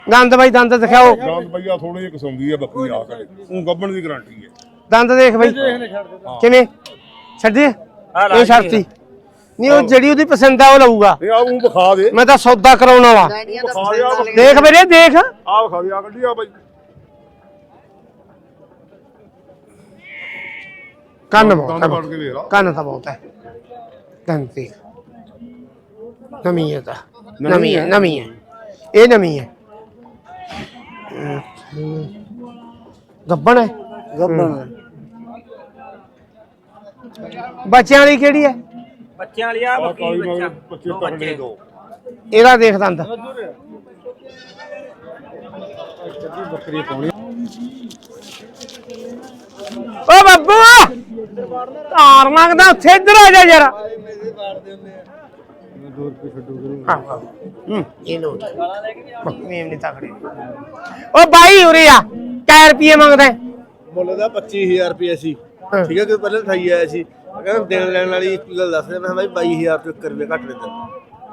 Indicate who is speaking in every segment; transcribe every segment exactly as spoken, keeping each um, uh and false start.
Speaker 1: ਦੰਦ ਬਾਈ ਦੰਦ ਦਿਖਾਓ।
Speaker 2: ਦੰਦ ਬਈਆ ਥੋੜੀ ਜਿਹੀ ਕਸਮਦੀ ਆ ਬੱਕਰੀ ਆ ਕਰੇ ਉਹ ਗੱਬਣ ਦੀ ਗਾਰੰਟੀ ਹੈ।
Speaker 1: ਦੰਦ ਦੇਖ ਬਾਈ ਕਿਵੇਂ ਛੱਡੀ ਇਹ ਛੱਡਤੀ ਨਹੀਂ ਉਹ ਜਿਹੜੀ ਉਹਦੀ ਪਸੰਦ ਆ ਉਹ ਲਊਗਾ।
Speaker 2: ਇਹ ਆ ਉਹ ਵਿਖਾ ਦੇ
Speaker 1: ਮੈਂ ਤਾਂ ਸੌਦਾ ਕਰਾਉਣ ਵਾਲਾ
Speaker 2: ਵਿਖਾ ਦੇ ਆ
Speaker 1: ਦੇਖ ਵੀਰੇ ਦੇਖ
Speaker 2: ਆ ਵਿਖਾ ਦੇ ਆ ਗੱਡੀ ਆ ਬਾਈ
Speaker 1: ਕੰਨ ਬਹੁਤ
Speaker 2: ਦੰਦ ਫੜ ਕੇ ਵੇਖ ਲਾ
Speaker 1: ਕੰਨ ਤਾਂ ਬਹੁਤ ਹੈ ਕੰਨ ਤੇ ਨਵੀਂ ਹੈ ਤਾਂ ਨਵੀਂ ਹੈ ਨਵੀਂ ਹੈ ਇਹ ਨਵੀਂ ਹੈ ਗੱਬਣ ਹੈ
Speaker 3: ਗੱਬਣ
Speaker 1: ਬੱਚਿਆਂ ਵਾਲੀ ਕਿਹੜੀ ਹੈ
Speaker 4: ਬੱਚਿਆਂ ਵਾਲੀ ਆ ਬੱਕਰੀ ਬੱਚਾ
Speaker 2: ਬੱਚੇ ਤਕੜੇ ਦੋ
Speaker 1: ਇਹਦਾ ਦੇਖ ਦੰਦ
Speaker 3: ਬੱਕਰੀ ਪਾਉਣੀ
Speaker 1: ਓ ਬੱਬੂ ਧਾਰ ਮੰਗਦਾ ਉੱਥੇ ਇੱਧਰ ਆ ਜਾ ਯਾਰ
Speaker 3: ਦੋ ਰੁਪਏ ਛੱਡੋ
Speaker 1: ਹਾਂ ਹੂੰ ਇਹ ਲੋ ਬੱਕਰੀ ਨਹੀਂ ਤਕੜੀ ਓ ਬਾਈ ਉਰੇ ਆ ਕੈ ਰੁਪਏ ਮੰਗਦਾ
Speaker 3: ਮੁੱਲ ਦਾ ਪੱਚੀ ਹਜ਼ਾਰ ਰੁਪਏ ਸੀ ਠੀਕ ਹੈ ਕਿ ਪਹਿਲਾਂ ਥਾਈ ਆਇਆ ਸੀ ਕਹਿੰਦਾ ਦੇਣ ਲੈਣ ਵਾਲੀ ਇੱਕ ਗੱਲ ਦੱਸ ਰਿਹਾ ਮੈਂ ਬਾਈ ਬਾਈ ਹਜ਼ਾਰ ਤੋਂ ਇੱਕ ਰੁਪਏ ਘੱਟ ਦੇ ਦਿੰਦਾ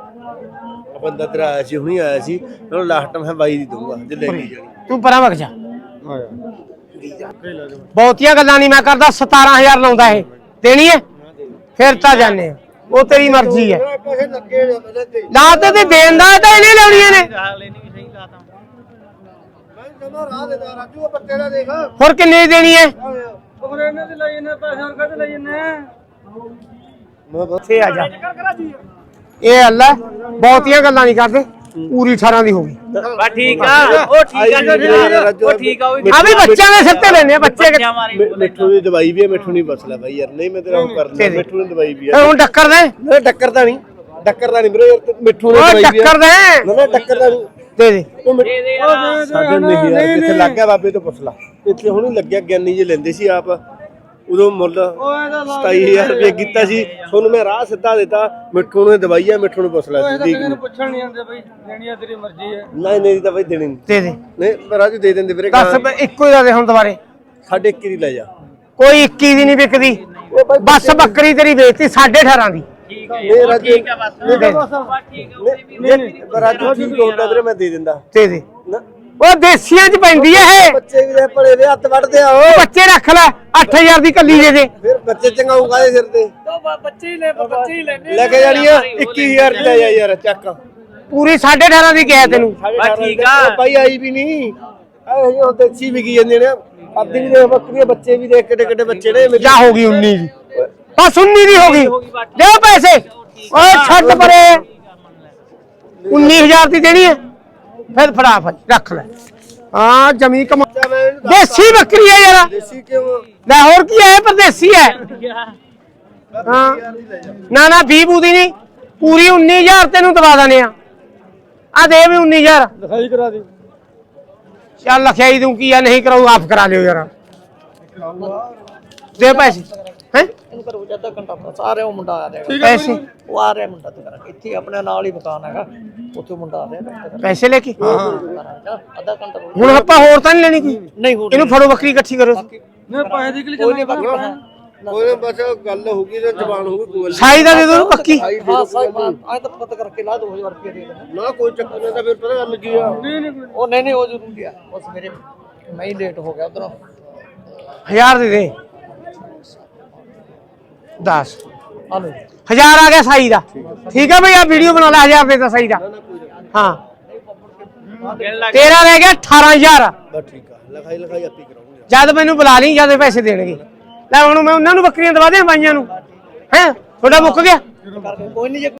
Speaker 3: ਆ ਬੰਦਾ ਤੇਰਾ ਆਇਆ ਸੀ ਹੁਣੀ ਆਇਆ ਸੀ ਉਹਨੂੰ ਲਾਸਟ ਮੈਂ ਬਾਈ ਦੀ ਦਊਂਗਾ ਜੇ ਲੈ ਕੇ ਜਾਣੀ
Speaker 1: ਤੂੰ ਪਰਾਂ ਵਗ ਜਾ
Speaker 3: ਆਇਆ
Speaker 1: ਬਹੁਤੀਆਂ ਗੱਲਾਂ ਨਹੀਂ ਮੈਂ ਕਰਦਾ ਸਤਾਰਾਂ ਹਜ਼ਾਰ ਲਾਉਂਦਾ ਇਹ ਦੇਣੀ ਹੈ ਫਿਰ ਤਾਂ ਜਾਣੇ ਉਹ ਤੇਰੀ ਮਰਜ਼ੀ ਹੈ
Speaker 3: ਪੈਸੇ ਲੱਗੇ ਨੇ ਪਹਿਲਾਂ ਤੇ
Speaker 1: ਲਾ ਤੇ ਤੇ ਦੇਣ ਦਾ ਤਾਂ ਇਹਨੇ ਲਾਉਣੀਆਂ ਨੇ
Speaker 4: ਲੈਣੀ ਵੀ ਸਹੀ ਲਾਤਾ
Speaker 3: ਮੈਂ ਜਮਾ ਰਾਹ ਦੇ ਦਾ ਰਾਜੂ ਉਹ ਪੱਤੇ ਦਾ ਦੇਖ
Speaker 1: ਹੋਰ ਕਿੰਨੇ ਦੀ ਦੇਣੀ ਹੈ
Speaker 4: ਉਹ ਇਹਨਾਂ ਦੇ ਲਈ ਇਹਨੇ ਪੈਸੇ ਹੋਰ ਕਦੇ ਲਈ ਇਹਨੇ
Speaker 3: ਮੈਂ ਬਸ
Speaker 1: ਇੱਥੇ ਆ ਜਾ ਇਹ ਅੱਲਾ ਬਹੁਤੀਆਂ ਗੱਲਾਂ ਨਹੀਂ ਕਰਦੇ ਪੂਰੀ ਅਠਾਰਾਂ ਦੀ ਹੋ ਗਈ
Speaker 4: ਬਾ ਠੀਕ ਆ ਉਹ ਠੀਕ ਆ ਉਹ ਠੀਕ ਆ ਉਹ
Speaker 1: ਆ ਵੀ ਬੱਚਿਆਂ ਦੇ ਸਿਰ ਤੇ ਲੈਣੇ ਆ ਬੱਚੇ
Speaker 4: ਬੱਚਿਆਂ ਮਾਰੀ
Speaker 3: ਮਿੱਠੂ ਦੀ ਦਵਾਈ ਵੀ ਹੈ ਮਿੱਠੂ ਨਹੀਂ ਬਸਲਾ ਬਾਈ ਯਾਰ ਨਹੀਂ ਮੈਂ ਤੇਰਾ ਉਹ ਕਰਦਾ ਮਿੱਠੂ ਦੀ ਦਵਾਈ ਵੀ
Speaker 1: ਫਿਰ
Speaker 3: ਹੈ
Speaker 1: ਹੁਣ ਟੱਕਰ ਦੇ
Speaker 3: ਨਾ ਟੱਕਰ ਦਾ ਨਹੀਂ ਟੱਕਰ ਦਾ ਨਹੀਂ ਵੀਰੇ ਯਾਰ ਮਿੱਠੂ ਦੀ
Speaker 1: ਉਹ
Speaker 3: ਦਵਾਈ ਵੀ ਹੈ
Speaker 1: ਟੱਕਰ ਦੇ
Speaker 3: ਨਾ ਨਾ ਟੱਕਰ ਦਾ ਨਹੀਂ
Speaker 1: ਦੇ ਦੇ
Speaker 3: ਉਹ ਮਿੱਠੂ
Speaker 4: ਦੇ ਦੇ ਯਾਰ
Speaker 3: ਸਾਡੇ ਨਹੀਂ ਯਾਰ ਕਿੱਥੇ ਲੱਗ ਗਿਆ ਬਾਬੇ ਤੋਂ ਪੁੱਛ ਲਾ ਇੱਥੇ ਹੁਣੀ ਲੱਗਿਆ ਗਿਆਨੀ ਜੇ ਲੈਂਦੇ ਸੀ ਆਪ ਉਦੋਂ ਮੁੱਲ ਸਤਾਈ ਹਜ਼ਾਰ ਰੁਪਏ ਕੀਤਾ ਸੀ ਤੁਹਾਨੂੰ ਮੈਂ ਰਾਹ ਸਿੱਧਾ ਦਿੱਤਾ ਮਿੱਠੂ ਨੂੰ ਦਵਾਈ ਆ ਮਿੱਠੂ ਨੂੰ ਪੁੱਛ ਲੈ ਸੀ ਠੀਕ
Speaker 4: ਪੁੱਛਣ ਨਹੀਂ ਆਉਂਦੇ ਬਈ ਦੇਣੀ ਆ ਤੇਰੀ ਮਰਜ਼ੀ ਹੈ
Speaker 3: ਨਹੀਂ ਨਹੀਂ ਤਾਂ ਬਈ ਦੇਣੀ ਨਹੀਂ
Speaker 1: ਦੇ ਦੇ
Speaker 3: ਨਹੀਂ ਰਾਜੂ ਦੇ ਦਿੰਦੇ ਵੀਰੇ
Speaker 1: ਦੱਸ ਬ- ਇੱਕੋ ਹੀ ਦਾ ਦੇ ਹੁਣ ਦੁਬਾਰੇ
Speaker 3: ਸਾਡੇ ਇੱਕੀ ਦੀ ਲੈ ਜਾ
Speaker 1: ਕੋਈ ਇੱਕੀ ਦੀ ਨਹੀਂ ਵਿਕਦੀ ਬਸ ਬੱਕਰੀ ਤੇਰੀ ਵੇਚਤੀ ਸਾਢੇ ਅਠਾਰਾਂ ਦੀ
Speaker 4: ਠੀਕ ਹੈ
Speaker 3: ਨਹੀਂ ਰਾਜੂ
Speaker 4: ਠੀਕ ਆ ਬਸ
Speaker 1: ਦੇ ਦੇ
Speaker 4: ਬਸ ਠੀਕ ਆ
Speaker 3: ਨਹੀਂ ਨਹੀਂ ਰਾਜੂ ਠੀਕ ਹੁੰਦਾ ਵੀਰੇ ਮੈਂ ਦੇ ਦਿੰਦਾ
Speaker 1: ਦੇ ਦੇ
Speaker 3: ਨਾ
Speaker 1: ਉਹ ਦੇਸੀਆਂ ਚ ਪੈਂਦੀ ਐ ਇਹ
Speaker 3: ਬੱਚੇ ਵੀ ਦੇ ਭਲੇ ਦੇ ਹੱਥ ਵੱਢਦੇ ਆ ਉਹ
Speaker 1: ਬੱਚੇ ਰੱਖ ਲੈ ਅੱਠ ਹਜ਼ਾਰ ਦੀ ਕੱਲੀ ਦੇ ਦੇ
Speaker 3: ਫਿਰ ਬੱਚੇ ਚੰਗਾਊਗਾ ਦੇ ਸਿਰ ਤੇ
Speaker 4: ਬੱਚੇ ਹੀ ਲੈ ਬੱਚੇ ਹੀ ਲੈਣੇ
Speaker 3: ਲੈ ਕੇ ਜਾਣੀ ਆ ਇੱਕੀ ਹਜ਼ਾਰ ਦੀ ਲੈ ਜਾ ਯਾਰ ਚੱਕ
Speaker 1: ਪੂਰੀ ਸਾਢੇ ਅਠਾਰਾਂ ਦੀ ਕਿਹਾ ਤੈਨੂੰ
Speaker 4: ਬਸ ਠੀਕ ਆ।
Speaker 3: ਉਹ ਬਾਈ ਆਈ ਵੀ ਨਹੀਂ ਆਏ ਉਹ ਦੇਸੀ ਵਿਕੀ ਜਾਂਦੇ ਨੇ ਆਦੀ ਵੀ ਦੇਖ ਬੱਕਰੀਆਂ ਬੱਚੇ ਵੀ ਦੇਖ ਕਿੱਡੇ ਕਿੱਡੇ ਬੱਚੇ ਨੇ ਮੇਰੇ
Speaker 1: ਜਾ ਹੋ ਗਈ ਉੱਨੀ ਦੀ ਬਸ ਉੱਨੀ ਦੀ ਹੋ ਗਈ ਦਿਓ ਪੈਸੇ ਓਏ ਛੱਡ ਪਰੇ ਉੱਨੀ ਹਜ਼ਾਰ ਦੀ ਦੇਣੀ ਹੈ ਫਿਰ ਫੜਾ ਫੜ ਰੱਖ ਲੈ ਹਾਂ ਜਮੀ ਕਮਾ ਦੇਸੀ ਬੱਕਰੀ ਹੈ ਯਾਰ
Speaker 3: ਦੇਸੀ ਕਿਉਂ
Speaker 1: ਲੈ ਹੋਰ ਕੀ ਹੈ ਪਰਦੇਸੀ ਹੈ ਹਾਂ ਨਾ ਨਾ ਵੀਹ ਬੂਦੀ ਨਹੀਂ ਪੂਰੀ ਉੱਨੀ ਹਜ਼ਾਰ ਤੈਨੂੰ ਦਵਾ ਦਨੇ ਆ ਆ ਦੇ ਵੀ ਉੱਨੀ ਹਜ਼ਾਰ
Speaker 3: ਲਿਖਾਈ ਕਰਾ ਦੇ
Speaker 1: ਚੱਲ ਲਖਿਆਈ ਦੂੰ ਕੀ ਆ ਨਹੀਂ ਕਰਾਉ ਆਪ ਕਰਾ ਲਿਓ ਯਾਰ ਦੇ ਪੈਸੇ ਹੈ
Speaker 5: ਇਹਨੂੰ ਕਰੋ ਜਿਆਦਾ ਘੰਟਾ ਸਾਰੇ ਉਹ ਮੁੰਡਾ ਆ ਰਿਹਾ
Speaker 1: ਪੈਸੇ
Speaker 5: ਉਹ ਆ ਰਿਹਾ ਮੁੰਡਾ ਤੇ ਕਰਾਂਗੇ ਇੱਥੇ ਆਪਣੇ ਨਾਲ ਹੀ ਮਕਾਨ ਹੈਗਾ ਉੱਥੇ ਮੁੰਡਾ ਆ ਰਿਹਾ
Speaker 1: ਪੈਸੇ ਲੈ ਕੇ
Speaker 5: ਅੱਧਾ ਘੰਟਾ ਰੁਕ।
Speaker 1: ਹੁਣ ਆਪਾਂ ਹੋਰ ਤਾਂ ਨਹੀਂ ਲੈਣੀ ਕੋਈ
Speaker 5: ਨਹੀਂ ਹੋਰ
Speaker 1: ਇਹਨੂੰ ਫੜੋ ਬੱਕਰੀ ਇਕੱਠੀ ਕਰੋ
Speaker 4: ਮੈਂ ਪੈਸੇ ਦੀ
Speaker 5: ਕੋਈ ਨਹੀਂ ਬਾਕੀ ਪੈਸੇ
Speaker 3: ਉਹਨੇ ਬਸ ਗੱਲ ਹੋਊਗੀ ਤੇ ਜ਼ਬਾਨ ਹੋਊਗੀ ਕੋਈ
Speaker 1: ਸਾਈ ਦਾ ਦੇ ਦੋ ਪੱਕੀ
Speaker 5: ਹਾਂ ਸਾਹਿਬ ਆਏ ਤਾਂ ਪਤਾ ਕਰਕੇ ਲਾ ਦੋ ਹਜ਼ਾਰ ਰੁਪਏ ਦੇ ਦੇਣਾ
Speaker 3: ਨਾ ਕੋਈ ਚੱਕਰ ਨਹੀਂ ਤਾਂ ਫਿਰ ਪਤਾ ਗੱਲ ਕੀ ਆ
Speaker 5: ਉਹ ਨਹੀਂ ਨਹੀਂ ਉਹ ਜ਼ਰੂਰੀ ਆ ਬਸ ਮੇਰੇ ਮੈਂ ਹੀ ਲੇਟ ਹੋ ਗਿਆ ਉਧਰੋਂ
Speaker 1: ਹਜ਼ਾਰ ਦੇ ਦੇ ਦਸ
Speaker 5: ਆ ਲਓ
Speaker 1: ਹਜ਼ਾਰ ਆ ਗਿਆ ਸਾਈ ਦਾ ਠੀਕ ਹੈ ਭਈ ਆ ਵੀਡੀਓ ਬਣਾ ਲੈ ਹਜ਼ਾਰ ਦੇ ਤਾਂ ਸਾਈ ਦਾ ਹਾਂ ਤੇਰਾ ਰਹਿ ਗਿਆ ਅਠਾਰਾਂ ਹਜ਼ਾਰ
Speaker 3: ਬਸ ਠੀਕ ਆ ਲਿਖਾਈ ਲਿਖਾਈ ਆਪੀ ਕਰਾਉਂਗੇ
Speaker 1: ਜਦ ਮੈਨੂੰ ਬੁਲਾ ਲਈ ਜਦ ਪੈਸੇ ਦੇਣਗੇ ਲੈ ਹੁਣ ਮੈਂ ਉਹਨਾਂ ਨੂੰ ਬੱਕਰੀਆਂ ਦਵਾ ਦਿਆਂ ਬਾਈਆਂ ਨੂੰ ਹੈ ਤੁਹਾਡਾ ਮੁੱਕ ਗਿਆ
Speaker 5: ਕਰਕੇ ਕੋਈ ਨਹੀਂ ਜੇ